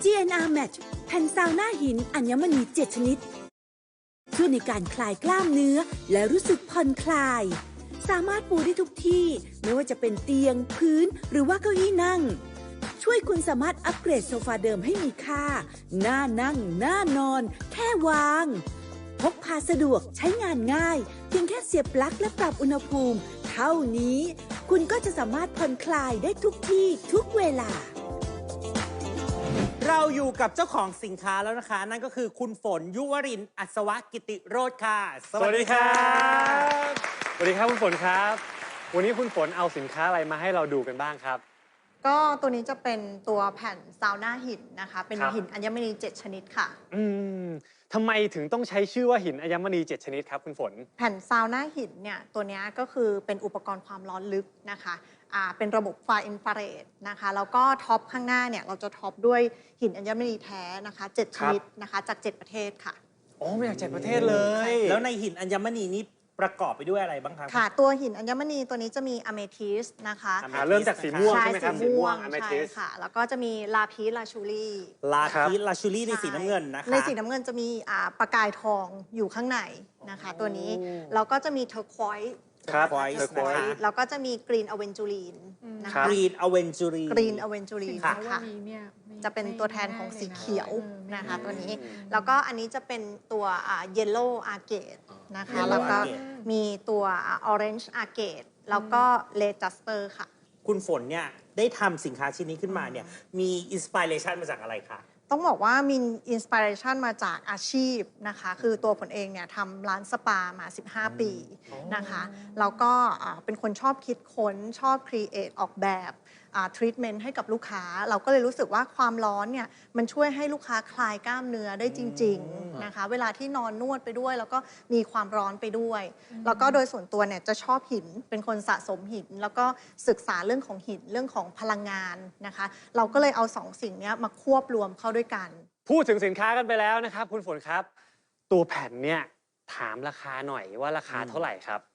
GNR Match แผ่นซาวน่าหินอัญมณี7 ชนิดช่วยในการคลายกล้ามเนื้อและรู้สึกผ่อนคลายสามารถปูได้ทุกที่ไม่ว่าจะเป็นเตียงพื้นหรือว่าเก้าอี้นั่งช่วยคุณสามารถอัปเกรดโซฟาเดิมให้มีค่าน่านั่งน่านอนแค่วางพกพาสะดวกใช้งานง่ายเพียงแค่เสียบปลั๊กและปรับอุณหภูมิเท่านี้คุณก็จะสามารถผ่อนคลายได้ทุกที่ทุกเวลาเราอยู่กับเจ้าของสินค้าแล้วนะคะนั่นก็คือคุณฝนยุวรินทร์อัศวกิติโรจน์ค่ะสวัสดีครับสวัสดีครับคุณฝนครับวันนี้คุณฝนเอาสินค้าอะไรมาให้เราดูกันบ้างครับก็ตัวนี้จะเป็นตัวแผ่นซาวน่าหินนะคะเป็นหินอัญมณี7 ชนิดค่ะทำไมถึงต้องใช้ชื่อว่าหินอัญมณี7 ชนิดครับคุณฝนแผ่นซาวน่าหินเนี่ยตัวนี้ก็คือเป็นอุปกรณ์ความร้อนลึกนะคะเป็นระบบไฟอินฟราเรดนะคะแล้วก็ท็อปข้างหน้าเนี่ยเราจะท็อปด้วยหินอัญมณีแท้นะคะ7 ชนิดนะคะจาก7 ประเทศค่ะมาจาก7 ประเทศเลยแล้วในหินอัญมณีนี้ประกอบไปด้วยอะไรบ้างครับค่ะตัวหินอัญมณีตัวนี้จะมีอะเมทิสนะคะเริ่มจากสีม่วงใช่ไหมครับสีม่วงใช่ค่ะแล้วก็จะมีลาพีสลาชูรี่ในสีน้ำเงินนะคะในสีน้ำเงินจะมีประกายทองอยู่ข้างในนะคะตัวนี้แล้วก็จะมีเทอร์ควอยซ์แล้วก็จะมีกรีนอเวนจูรีนนะคะกรีนอเวนจูรีนค่ะจะเป็นตัวแทนของสีเขียวนะคะตัวนี้แล้วก็อันนี้จะเป็นตัวเยลโล่อาร์เกตนะคะแล้วก็มีตัวออเรนจ์อาร์เกตแล้วก็เลจัสเปอร์ค่ะคุณฝนเนี่ยได้ทำสินค้าชิ้นนี้ขึ้นมาเนี่ยมีอินสปิเรชันมาจากอะไรคะต้องบอกว่ามีอินสปิเรชันมาจากอาชีพนะคะคือตัวผลเองเนี่ยทำร้านสปามา15 ปีนะคะแล้วก็เป็นคนชอบคิดค้นชอบครีเอทออกแบบทรีทเมนต์ให้กับลูกค้าเราก็เลยรู้สึกว่าความร้อนเนี่ยมันช่วยให้ลูกค้าคลายกล้ามเนื้อได้จริงๆนะคะเวลาที่นอนนวดไปด้วยแล้วก็มีความร้อนไปด้วยแล้วก็โดยส่วนตัวเนี่ยจะชอบหินเป็นคนสะสมหินแล้วก็ศึกษาเรื่องของหินเรื่องของพลังงานนะคะเราก็เลยเอา2 สิ่งนี้มาควบรวมเข้าด้วยกันพูดถึงสินค้ากันไปแล้วนะครับคุณฝนครับตัวแผ่นเนี่ยถามราคาหน่อยว่าราคาเท่าไหร่ครับ